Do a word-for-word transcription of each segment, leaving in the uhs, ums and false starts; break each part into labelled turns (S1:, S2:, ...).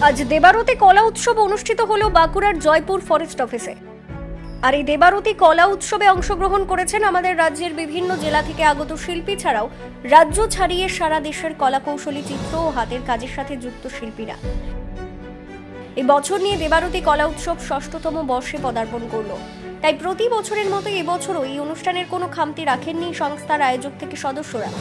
S1: আজ দেবারতী কলা উৎসব অনুষ্ঠিত হলো বাঁকুড়ার জয়পুর ফরেস্ট অফিসে। আর এই দেবারতী কলা উৎসবে অংশগ্রহণ করেছেন আমাদের রাজ্যের বিভিন্ন জেলা থেকে আগত শিল্পী ছাড়াও রাজ্য ছাড়িয়ে সারা দেশের কলা কৌশলী চিত্র ও হাতের কাজের সাথে যুক্ত শিল্পীরা। এই বছর নিয়ে দেবারতী কলা উৎসব ষষ্ঠতম বর্ষে পদার্পণ করলো। তাই প্রতি বছরের মতো এবছরও এই অনুষ্ঠানের কোনো খামতি রাখেননি সংস্থার আয়োজক থেকে সদস্যরা।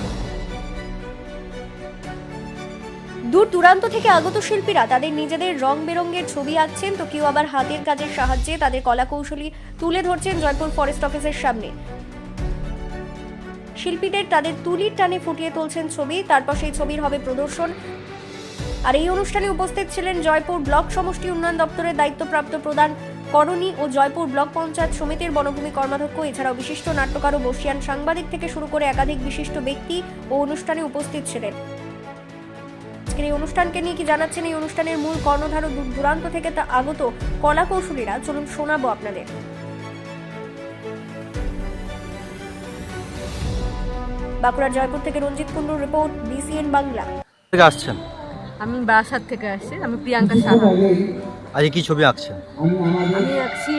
S1: দূর দূরান্ত থেকে আগত শিল্পীরা তাদের নিজেদের রং বেরঙের ছবি আঁকছেন, তো কেউ আবার হাতের কাজের সাহায্যে তাদের কলা কৌশলী তুলে ধরছেন জয়পুর ফরেস্ট অফিসের সামনে। শিল্পীদের তাদের তুলির টানে ফুটিয়ে তুলছেন ছবি, তারপর সেই ছবির হবে প্রদর্শন। আর এই অনুষ্ঠানে উপস্থিত ছিলেন জয়পুর ব্লক সমষ্টি উন্নয়ন দপ্তরের দায়িত্বপ্রাপ্ত প্রধান করণী ও জয়পুর ব্লক পঞ্চায়েত সমিতির বনভূমি কর্মাধ্যক্ষ, এছাড়াও বিশিষ্ট নাট্যকার ও বর্ষিয়ান সাংবাদিক থেকে শুরু করে একাধিক বিশিষ্ট ব্যক্তি ও অনুষ্ঠানে উপস্থিত ছিলেন। এই অনুষ্ঠানকে নিয়ে কি জানাচ্ছেন এই অনুষ্ঠানের মূল কর্ণধার ও দূর দূরান্ত থেকে তা আগত কলা কৌশলীরা, চলুন শোনাবো আপনাদের। বাঁকুড়া জয়পুর থেকে রঞ্জিত কুন্ডুর রিপোর্ট, বিসিএন বাংলা।
S2: থেকে আসছেন?
S3: আমি বারাসাত থেকে আসছি। আমি প্রিয়াঙ্কা সাহা।
S2: আজ কি ছবি আঁকছেন?
S3: আমি আঁকছি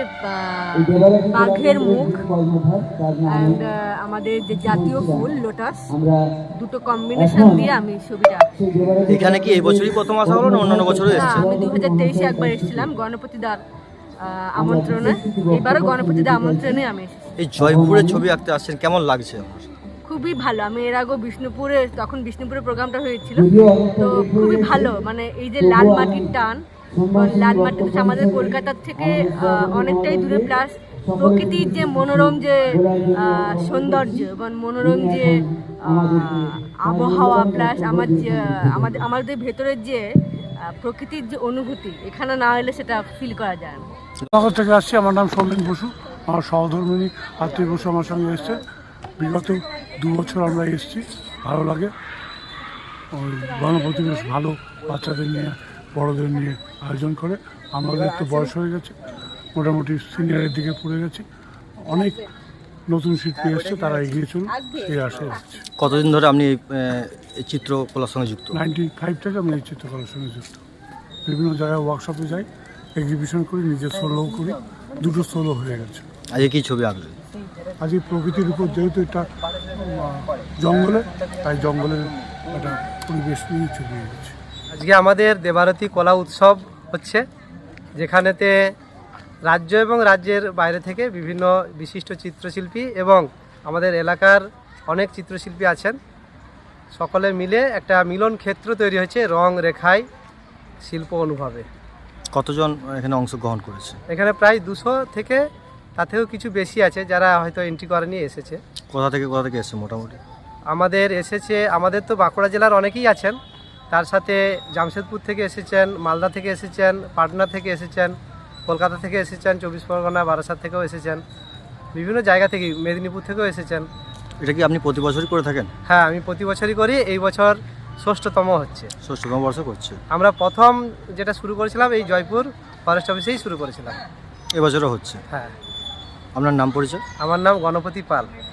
S3: বাঘের মুখ অ্যান্ড আমাদের যে জাতীয় ফুল লোটাস, দুটো কম্বিনেশন দিয়ে আমি ছবিটা আঁকছি।
S2: এখানে কি এই বছরই প্রথম আসা হলো না অন্যান্য বছরও এসেছে?
S3: আমি দু হাজার তেইশে একবার এসেছিলাম গণপতি দার আমন্ত্রণে, এবারও গণপতি দার আমন্ত্রণে আমি এসেছি।
S2: এই জয়পুরের ছবি আঁকতে আসছেন, কেমন লাগছে?
S3: খুবই ভালো। আমি এর আগেও বিষ্ণুপুরে, তখন বিষ্ণুপুরে প্রোগ্রামটা হয়েছিল, তো খুবই ভালো। মানে এই যে লাল মাটির টান, লাল মাটি আমাদের কলকাতার থেকে অনেকটাই দূরে, প্লাস প্রকৃতির যে মনোরম যে সৌন্দর্য এবং মনোরম যে আবহাওয়া, প্লাস আমার যে আমাদের আমাদের ভেতরের যে প্রকৃতির যে অনুভূতি, এখানে না এলে সেটা ফিল করা যায় না।
S4: নগর থেকে আসছি। আমার নাম সৌমেন বসু। আমার সহধর্মিনী আত্মীয় বসু আমার সঙ্গে এসছে। বিগত দু বছর আমরা এসেছি, ভালো লাগে। ওই গণপতি বেশ ভালো বাচ্চাদের নিয়ে বড়দের নিয়ে আয়োজন করে। আমাদের একটু বয়স হয়ে গেছে, মোটামুটি সিনিয়রের দিকে পড়ে গেছি। অনেক নতুন শিল্পী এসছে, তারা এগিয়ে চলুন এই আশা রাখছি।
S2: কতদিন ধরে আপনি এই চিত্রকলার সঙ্গে যুক্ত?
S4: নাইনটি ফাইভ থেকে আমি এই চিত্রকলার সঙ্গে যুক্ত। বিভিন্ন জায়গায় ওয়ার্কশপে যাই, এক্সিবিশন করি, নিজের সোলোও করি। দুটো সোলো হয়ে গেছে।
S2: আজ কি ছবি আঁকলেন?
S4: আজ এই প্রকৃতির উপর, যেহেতু এটা জঙ্গলে, তাই জঙ্গলের একটা পরিবেশ নিয়ে ছবি এঁকেছি।
S5: আজকে আমাদের দেবারতী কলা উৎসব হচ্ছে, যেখানেতে রাজ্য এবং রাজ্যের বাইরে থেকে বিভিন্ন বিশিষ্ট চিত্রশিল্পী এবং আমাদের এলাকার অনেক চিত্রশিল্পী আছেন। সকলে মিলে একটা মিলন ক্ষেত্র তৈরি হয়েছে রং রেখায় শিল্প অনুভবে।
S2: কতজন এখানে অংশগ্রহণ করেছে?
S5: এখানে প্রায় দুশো থেকে তাতেও কিছু বেশি আছে যারা হয়তো এন্ট্রি করে নিয়ে এসেছে।
S2: কোথা থেকে কোথা থেকে এসেছে মোটামুটি?
S5: আমাদের এসেছে, আমাদের তো বাঁকুড়া জেলার অনেকেই আছেন, তার সাথে জামশেদপুর থেকে এসেছেন, মালদা থেকে এসেছেন, পাটনা থেকে এসেছেন, কলকাতা থেকে এসেছেন, চব্বিশ পরগনা বারাসাত থেকেও এসেছেন, বিভিন্ন জায়গা থেকে, মেদিনীপুর থেকেও এসেছেন।
S2: এটা কি আপনি প্রতি বছরই করে থাকেন?
S5: হ্যাঁ, আমি প্রতি বছরই করি। এই বছর ষষ্ঠতম হচ্ছে।
S2: ষষ্ঠতম বর্ষ করছে।
S5: আমরা প্রথম যেটা শুরু করেছিলাম এই জয়পুর ফরেস্ট অফিসেই শুরু করেছিলাম।
S2: এবছরও হচ্ছে?
S5: হ্যাঁ।
S2: আপনার নাম পরিচয়?
S5: আমার নাম গণপতি পাল।